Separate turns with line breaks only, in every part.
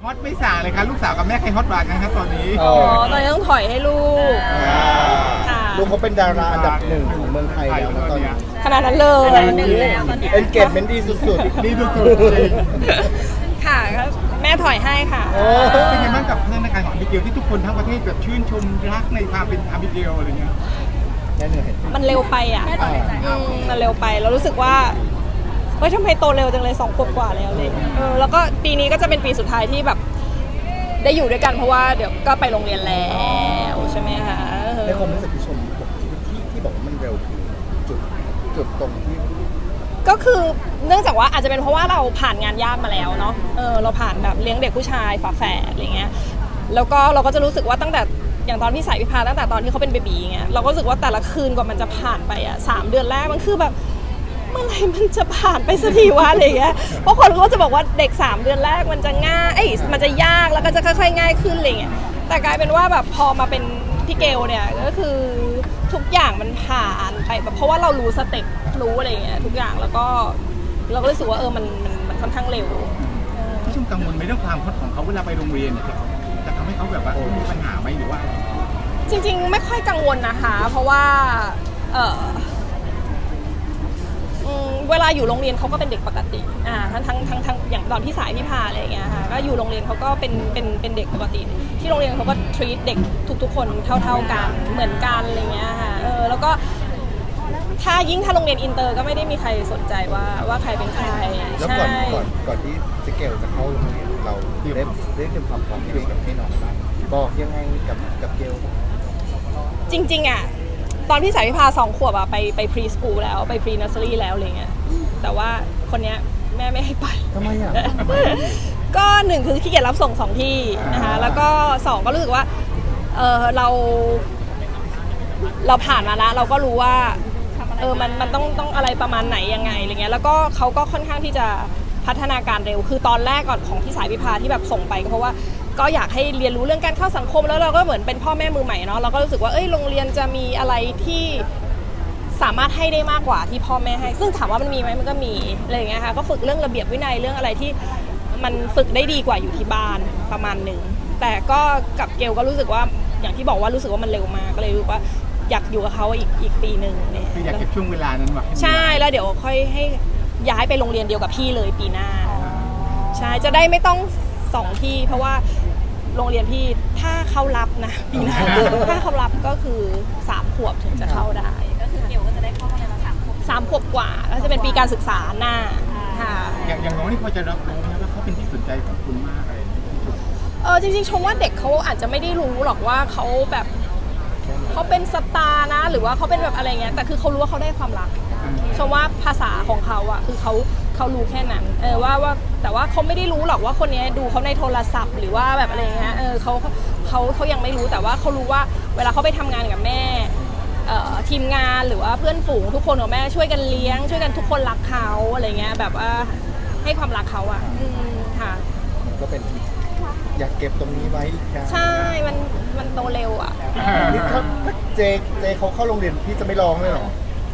ฮอตไม่ส่างเลยครับลูกสาวกับแม่ใครฮอตกว่ากันครับตอนนี้
ตอนนี้ต้องถอยให้ลูกค่ะ
ลูกเขาเป็นดาราอันดับหนึ่งของเมืองไทยแล้วนะตอนนี้
ขนาดนั้นเลย
เอ็นเกจเมนต์ดีสุด
ดีสุดๆจริง
ค่ะก็แม่ถอยให้ค่ะ
เป็นยังไงบ้างกับพัฒนาการของอาบิเกลที่ทุกคนทั้งประเทศแบบชื่นชมรักในความเป็นอาบิเกลอะไรเงี้ย
ๆแน่เหนื่อย
มันเร็วไปอ่ะมันเร็วไปเรารู้สึกว่าเฮ้ยทำไมโตเร็วจังเลย2 ขวบกว่าแล้วเลยแล้วก็ปีนี้ก็จะเป็นปีสุดท้ายที่แบบได้อยู่ด้วยกันเพราะว่าเดี๋ยวก็ไปโรงเรียนแล้วใช่ไหมคะ
ในความรู้สึกที่ชมที่บอกว่ามันเร็วคือจุดตรงที่
ก็คือเนื่องจากว่าอาจจะเป็นเพราะว่าเราผ่านงานยากมาแล้วเนาะเราผ่านแบบเลี้ยงเด็กผู้ชายฝาแฝดอะไรเงี้ยแล้วก็เราก็จะรู้สึกว่าตั้งแต่อย่างตอนพี่สายพิพาตั้งแต่ตอนที่เขาเป็นเบบีเงี้ยเราก็รู้สึกว่าแต่ละคืนกว่ามันจะผ่านไปอ่ะ3 เดือนแรกมันคือแบบเมื่อไหร่มันจะผ่านไปสักทีวะอะไรเงี้ยเพราะคนเขาจะบอกว่าเด็ก3 เดือนแรกมันจะง่ายมันจะยากแล้วก็จะค่อยๆง่ายขึ้นอะไรเงี้ยแต่กลายเป็นว่าแบบพอมาเป็นพี่เกลเนี่ยก็คือทุกอย่างมันผ่านไปแบบเพราะว่าเรารู้สเต็ปรู้อะไรเงี้ยทุกอย่างแล้วก็เราก็รู้สึกว่ามันค่อนข้างเร็ว
พี่ชมกังวลไหมเรื่องความฮอตของเขาเวลาไปโรงเรียนเนี่ยจะทำให้เขาแบบว่ามีปัญหาไหมหรือว่า
จริงๆไม่ค่อยกังวลนะคะ เพราะว่าเวลาอยู่โรงเรียนเขาก็เป็นเด็กปกติทั้งอย่างตอนที่สายพี่พาอะไรอย่างเงี้ยค่ะก็อยู่โรงเรียนเขาก็เป็นเด็กปกติที่โรงเรียนเขาก็ treat เด็กทุกๆคนเท่ากันเหมือนกันอะไรเงี้ยค่ะแล้วก็ถ้าโรงเรียนอินเตอร์ก็ไม่ได้มีใครสนใจว่าใครเป็นใคร
แล้วก่อนที่เจเกลจะเข้าโรงเรียนเราได้เตรียมความพร้อมคุยกับให้น้องบ้างบอกยังไงกับเกล
จริงๆอ่ะตอนพี่สายพิพา2 ขวบอะไปพรีสคูลแล้วไปพรีเนอร์เซอรี่แล้วอะไรเงี้ยแต่ว่าคนเนี้ยแม่ไม่ให้ไป
ทำไมอ่ะ
ก็1คือขี้เกียจรับส่ง2 ที่นะคะแล้วก็2ก็รู้สึกว่าเราผ่านมาแล้วเราก็รู้ว่ามันต้องอะไรประมาณไหนยังไงอะไรเงี้ยแล้วก็เขาก็ค่อนข้างที่จะพัฒนาการเร็วคือตอนแรกก่อนของพี่สายพิพาที่แบบส่งไปก็เพราะว่าก็อยากให้เรียนรู้เรื่องการเข้าสังคมแล้วเราก็เหมือนเป็นพ่อแม่มือใหม่เนาะเราก็รู้สึกว่าโรงเรียนจะมีอะไรที่สามารถให้ได้มากกว่าที่พ่อแม่ให้ซึ่งถามว่ามันมีไหมมันก็มีอะไรอย่างเงี้ยค่ะก็ฝึกเรื่องระเบียบวินัยเรื่องอะไรที่มันฝึกได้ดีกว่าอยู่ที่บ้านประมาณหนึ่งแต่ก็กับเกลก็รู้สึกว่าอย่างที่บอกว่ารู้สึกว่ามันเร็วมากก็เลยรู้ว่าอยากอยู่กับเขาอีกปีหนึ่งเนี่ย
คืออยากเก็บช่วงเวลานั้นไว้
ใช่แล้วเดี๋ยวค่อยให้ย้ายไปโรงเรียนเดียวกับพี่เลยปีหน้าใช่จะได้ไม่ต้อง2 ที่เพราะว่าโรงเรียนพี่ถ้าเขารับนะปีหน้าถ้าเขารับก็คือ3 ขวบถึงจะเข้าได้ก็คือเกี่ยวก็จะได้เข้าโรงเรียนมา3 ขวบกว่าแล้วจะเป็นปีการศึกษาหน้าค่ะ
อย่างน้องนี่พอจะรับรู้ไหมว่าเขาเป็นที่สนใจของคุณมากอะไร
จริงๆชมว่าเด็กเขาอาจจะไม่ได้รู้หรอกว่าเขาแบบเขาเป็นสตาร์นะหรือว่าเขาเป็นแบบอะไรเงี้ยแต่คือเขารู้ว่าเขาได้ความรักชมว่าภาษาของเขาอะคือเขารู้แค่นั้นว่าแต่ว่าเขาไม่ได้รู้หรอกว่าคนนี้ดูเขาในโทรศัพท์หรือว่าแบบอะไรเงี้ยเขายังไม่รู้แต่ว่าเขารู้ว่าเวลาเขาไปทำงานกับแม่ทีมงานหรือว่าเพื่อนฝูงทุกคนกับแม่ช่วยกันเลี้ยงช่วยกันทุกคนรักเขาอะไรเงี้ยแบบว่าให้ความรักเขาอะค่ะ
ก็เป็นอยากเก็บตรงนี้ไว้อีกครั้ง
ใช่มันโตเร็วอะ
นี่ถ้าเจเขาเข้าโรงเรียนพี่จะไม่ร้องเลยเหรอ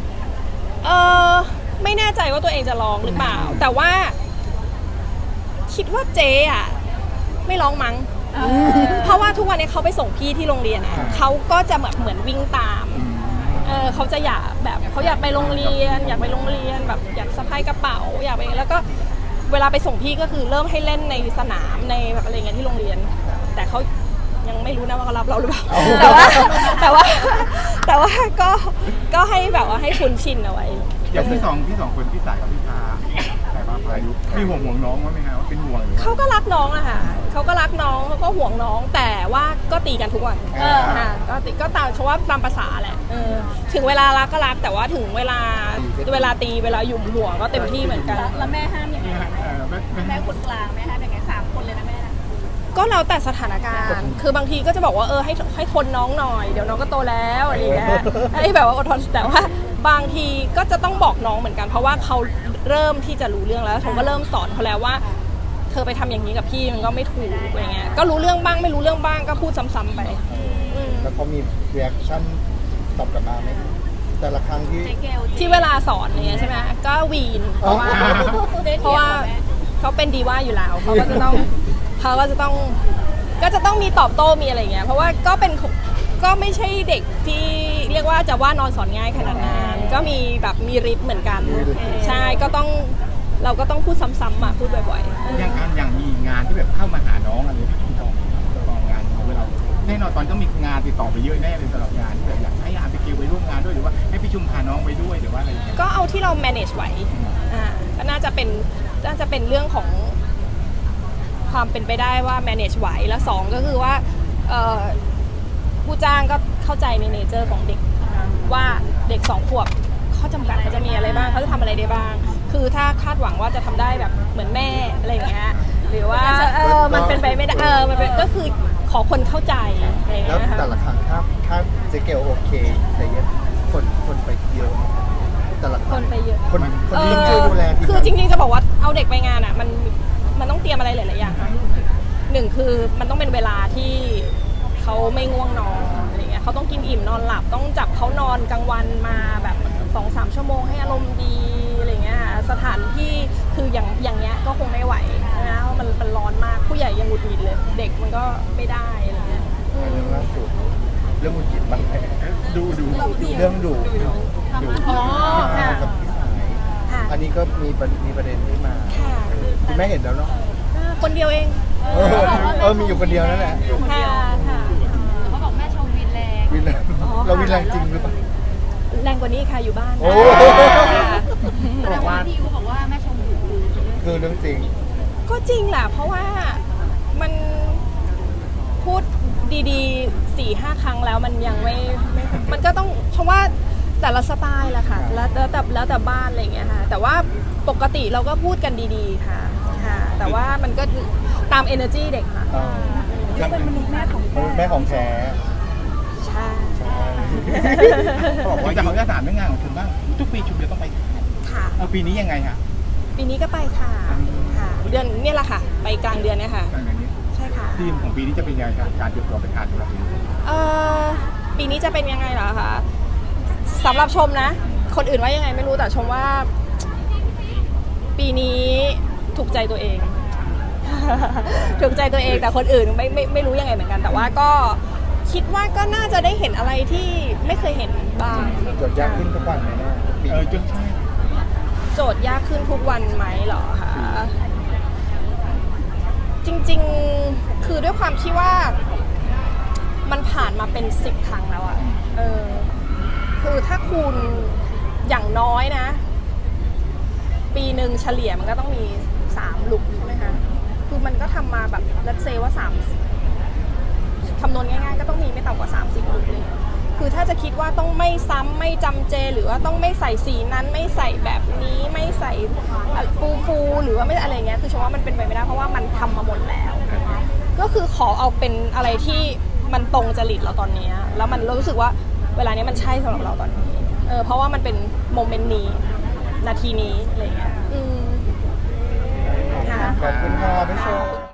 ไม่แน่ใจว่าตัวเองจะร้องหรือเปล่าแต่ว่าคิดว่าเจ๊อะไม่ร้องมั้งเพราะว่าทุกวันนี้เขาไปส่งพี่ที่โรงเรียนอะเขาก็จะเหมือนวิ่งตามเขาจะอยากแบบเขาอยากไปโรงเรียนอยากไปโรงเรียนแบบอยากสะพายกระเป๋าอยากไปแล้วก็เวลาไปส่งพี่ก็คือเริ่มให้เล่นในสนามในแบบอะไรเงี้ยที่โรงเรียนแต่เขายังไม่รู้นะว่าเขารับเราหรือเปล่าแต่ว่าก็ให้แบบว่าให้คุ้นชินเอาไว้
อย่างที่สองคนพี่สายกับพี่พาสายพายุมีห่วงน้องว่าไหมครับว่าเป็นห่วง
เขาก็รักน้องอะค่ะเขาก็รักน้องเขาก็ห่วงน้องแต่ว่าก็ตีกันทุกวันก็ตามเพราะว่าตามภาษาแหละถึงเวลารักก็รักแต่ว่าถึงเวลาตีเวลาหยุมหัวก็เต็มที่เหมือนกัน
แล้วแม่ห้ามยังไงแม่คนกลางแม่ห้ามยังไง3 คนเลยนะแม่นะ
ก็แล้วแต่สถานการณ์คือบางทีก็จะบอกว่าให้ทนน้องหน่อยเดี๋ยวน้องก็โตแล้วอะไรอย่างเงี้ยให้แบบว่าอดทนแต่ว่าบางทีก็จะต้องบอกน้องเหมือนกันเพราะว่าเขาเริ่มที่จะรู้เรื่องแล้วผมก็เริ่มสอนเขาแล้วว่าเธอไปทำอย่างนี้กับพี่มันก็ไม่ถูกอะไรเงี้ยก็รู้เรื่องบ้างไม่รู้เรื่องบ้างก็พูดซ้ำๆไป
แล้วเขามีรีแอคชั่นตอบกลับมาไหมแต่ละครั้ง
ที่เวลาสอนเนี่ยใช่ไหมก็วีนเพราะว่าเขาเป็นดีว่าอยู่แล้วเขาก็จะต้องเขาก็จะต้องมีตอบโต้มีอะไรอย่างเงี้ยเพราะว่าก็ไม่ใช่เด็กที่เรียกว่าจะว่านอนสอนง่ายขนาดนั้นก็มีแบบมีฤทธิ์เหมือนกันใช่เราก็ต้องพูดซ้ำๆมาพูดบ่อยๆ
อย่างมีงานที่แบบเข้ามาหาน้องอะไรที่คุณจองงานของเราแน่นอนตอนต้องมีงานติดต่อไปเยอะแน่เลยสำหรับงานที่แบบอยากให้อาร์ตเกลไปร่วมงานด้วยหรือว่าให้พี่ชุมพาน้องไปด้วยหรือว่าอะไรอย่างเงี้ย
ก็เอาที่เรา manage ไหวก็น่าจะเป็นเรื่องของความเป็นไปได้ว่า manage ไหวแล้วสองก็คือว่าผู้จ้างก็เข้าใจในเนเจอร์ของเด็กว่าเด็ก2 ขวบข้อจำกัดเขาจะมีอะไรบ้างเขาจะทำอะไรได้บ้าง คือถ้าคาดหวังว่าจะทำได้แบบเหมือนแม่อะไรอย่างเงี้ยหรือว่ามันเป็นไปไม่ได้มันเป็นก็คือขอคนเข้าใจอะไรอย่าง
แล้ว
เงี้ยค่ะ
แต่ละครั้งถ้าเจ๊เกลโอเคแต่เย็นคนไปเยอะแต่ละ
คนไปเยอะ
คนที่ช่วยดูแลที่
คือจริงๆจะบอกว่าเอาเด็กไปงานอ่ะมันต้องเตรียมอะไรหลายๆอย่างค่ะหนึ่งคือมันต้องเป็นเวลาที่เขาไม่ง่วงนอนอะไรเงี้ยเขาต้องกินอิ่มนอนหลับต้องจับเขานอนกลางวันมาแบบ 2-3 ชั่วโมงให้อารมณ์ดีอะไรเงี้ยสถานที่คืออย่างเงี้ยก็คงไม่ไหวนะเพราะมันร้อนมากผู้ใหญ่ยังหงุดหงิดเลยเด็กมันก็ไม่ได้อะไรเงี้ย
เรื่องล่าสุดเรื่องมุจิตบ้างไหม
ดู
เรื่องดู
อ๋อค่ะ
กับพี่สาย
ค่ะ
อันนี้ก็มีประเด็นที่มา
ค่ะ
คุณแม่เห็นแล้วเนาะ
คนเดียวเอง
มีอยู่คนเดียวนั่นแหละ
ค่ะค่ะ
เขาบอกแม่ชมวินแรง
วินแรงเราวินแรงจริงหรือเปล่า
แรงกว่านี้ค่ะอยู่บ้าน
โอ้
ค่ะ
แต่ว่าพี่ยูบอกว่าแม่ชมดุ
คือเรื่องจริง
ก็จริงแหละเพราะว่ามันพูดดีๆ 4-5 ครั้งแล้วมันยังไม่มันก็ต้องชมว่าแต่ละสไตล์แหละค่ะแล้วแต่บ้านอะไรอย่างเงี้ยค่ะแต่ว่าปกติเราก็พูดกันดีๆค่ะแต่ว่ามันก็ตาม energy เด็กค่ะ
เขาเป็นมนุษย์แม่ของ
แม่ของแท้
ใช่
ใช่
บอกว่าจะเขาจะถามเรื่องงานของคุณบ้างทุกปีชุมจะต้องไป
ค่ะ
ปีนี้ยังไงฮะ
ปีนี้ก็ไปค่ะเดือนเนี่ยแหละค่ะ ไปกลางเดือนเนี่ยค่ะ
การนี้
ใช่ค่ะ
ทีมของปีนี้จะเป็นยังไงครับการเตรียมตัวเป็นการของเรา
ปีนี้จะเป็นยังไงเหรอคะสำหรับชมนะ คนอื่นว่ายังไงไม่รู้แต่ชมว่า ปีนี้ถูกใจตัวเอง ถูกใจตัวเองแต่คนอื่นไม่รู้ยังไงเหมือนกัน แต่ว่าก็คิดว่าก็น่าจะได้เห็นอะไรที่ไม่เคยเห็นบ้าง
จดยากขึ้นทุกวันเลยนะทุกปี
จนใช่
โจทย์ยากขึ้นทุกวันไหมเหรอคะจริงๆคือด้วยความที่ว่ามันผ่านมาเป็น10 ครั้งแล้วอะคือถ้าคูณอย่างน้อยนะ ปีหนึ่งเฉลี่ยมันก็ต้องมี3 ลุกใช่ไหมคะคือมันก็ทำมาแบบรัดเซว่าคำนวณง่ายๆก็ต้องมีไม่ต่ำกว่า30 ลุกเลยคือถ้าจะคิดว่าต้องไม่ซ้ำไม่จำเจหรือว่าต้องไม่ใส่สีนั้นไม่ใส่แบบนี้ไม่ใส่ฟูหรือว่าไม่อะไรเงี้ยคือชมว่ามันเป็นไปไม่ได้เพราะว่ามันทำมาหมดแล้ว ก็คือขอเอาเป็นอะไรที่มันตรงจริตเราตอนนี้แล้วมันรู้สึกว่าเวลานี้มันใช่สำหรับเราตอนนี้เพราะว่ามันเป็นโมเมนต์นี้นาทีนี้อะไรเงี้ยค่ะ
ขอบคุณค่ะพี่โช